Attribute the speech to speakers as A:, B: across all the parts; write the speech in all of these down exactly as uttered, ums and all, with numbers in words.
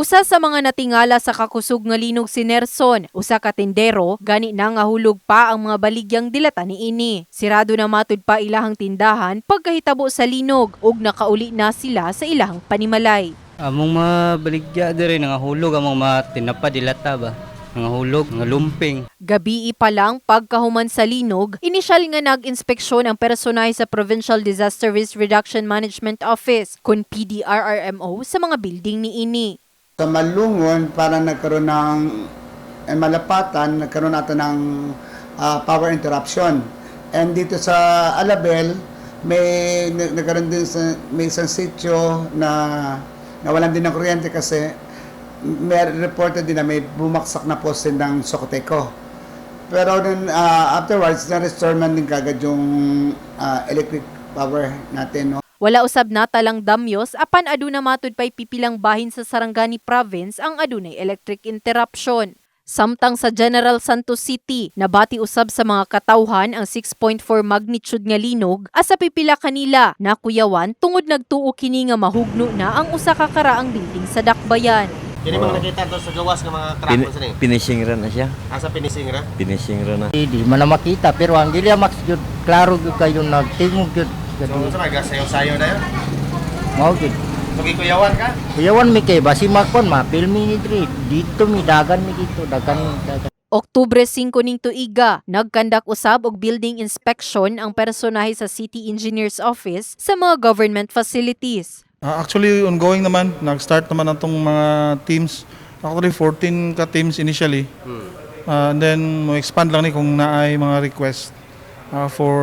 A: Usa sa mga natingala sa kakusog nga linog si Nerson, usa ka tindero, gani na nga hulog pa ang mga baligyang dilata niini. Sirado na matud pa ilahang tindahan pagkahitabo sa linog ug nakauli na sila sa ilahang panimalay.
B: Among mga baligya diri nga hulog among mga tinapa dilata ba. Nga hulog, nga lumping.
A: Gabi pa lang pagkahuman sa linog, inisyal nga nag-inspeksyon ang personay sa Provincial Disaster Risk Reduction Management Office kun P D R R M O sa mga building niini.
C: Sa Malungon, para nagkaroon ng eh, malapatan, nagkaroon natin ng uh, power interruption. And dito sa Alabel, may nagkaroon din sa may isang sitio na nawalan din ng kuryente kasi may reported din na may bumaksak na poste ng Socoteco. Pero then, uh, afterwards, na-restore man din kagad yung uh, electric power natin. No?
A: Wala usab na talang damyos apan aduna matud pay pipilang bahin sa Sarangani Province ang adunay electric interruption. Samtang sa General Santos City, nabati usab sa mga katawhan ang six point four magnitude nga linog asa pipila kanila nakuyawan tungod nagtuo kini nga mahugno na ang usa ka karaang building sa Dakbayan.
D: Kini mga nakita to sa gawas ng mga truck
E: Pin
D: mo sa ni.
E: finishing ra na siya.
D: Asa finishing ra?
E: Finishing ra na.
F: Hindi man na makita pero ang gilya max jud klaro jud kayo nagtingog jud.
D: So sa mga sayo-sayo na yun.
F: Mao jud.
D: So gikuyawan ka?
F: Kuyawan mi kay basi makon ma filmi ni diri dito mi dagan mi dito dagan dagan.
A: Oktubre singko ning tuiga, nagkandak usab og building inspection ang personahe sa City Engineers Office sa mga government facilities.
G: Uh, actually, ongoing naman. Nag-start naman ang itong mga teams. Actually, fourteen ka teams initially.
D: Hmm.
G: Uh, and then, mo-expand lang ni kung naay mga request uh, for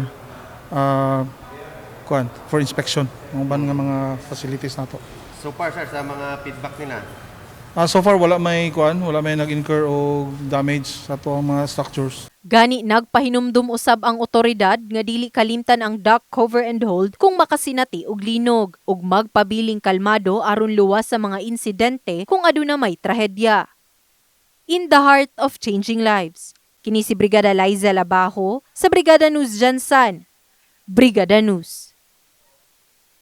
G: uh, kuan, for inspection. Mga ban nga mga facilities na to.
D: So far sir sa mga feedback nila.
G: Uh, so far, wala may kuan, wala may nag-incur o damage sa to ang mga structures.
A: Gani nagpahinumdum usab ang otoridad nga dili kalimtan ang dock cover and hold kung makasinati og linog ug magpabiling kalmado aron luwas sa mga insidente kung aduna may trahedya. In the heart of changing lives, kini si Brigada Liza Labajo sa Brigada News Jansan. Brigada News.